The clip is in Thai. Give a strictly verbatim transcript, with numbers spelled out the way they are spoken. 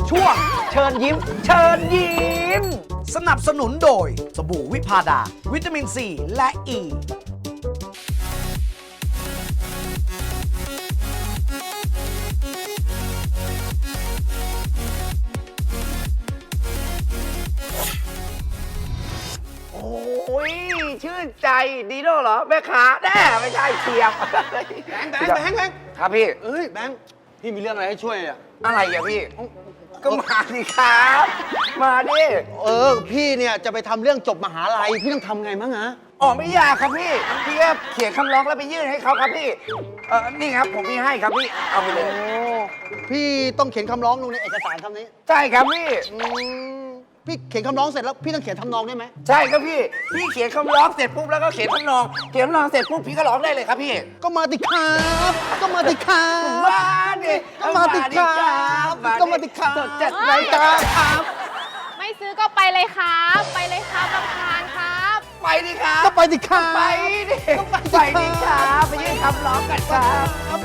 ช่วงเชิญยิ้ม เชิญยิ้ม สนับสนุนโดยสบู่วิพาดา วิตามินซีและอ e. ีโอ้ยชื่นใจดีโน่เหรอแม่ค้าแน่ไม่ใช่เชียบแบงค์แบงค์แบงค์แบงค์ครับพี่เอ้ยแบงค์พี่มีเรื่องอะไรให้ช่วยอ่ะอะไรอ่ะพี่ ก็มาสิครับมาดิเออพี่เนี่ยจะไปทำเรื่องจบมหาลัยพี่ต้องทำไงมั้งฮะอ๋อไม่ยากครับพี่พี่แค่เขียนคำร้องแล้วไปยื่นให้เขาครับพี่เออนี่ครับผมมีให้ครับพี่เอาไปเลยโอ้พี่ต้องเขียนคำร้องลงในเอกสารคำนี้ใช่ครับพี่อืมพี่เขียนคำร้องเสร็จแล้วพี่ต้องเขียนทำนองได้ไหมใช่ครับพี่พี่เขียนคำร้องเสร็จปุ๊บแล้วก็เขียนทำนองเขียนทำนองเสร็จปุ๊บพี่ก็ร้องได้เลยครับพี่ก็มาติครับก็มาติครับมาดิก็มาติครับก็มาติครับสดจัดรายการครับไม่ซื้อก็ไปเลยครับ ไปเลยครับรำคาญครับไปดิครับก็ไปติครับไปดิไปดิครับไปยื่นคำร้องกันครับ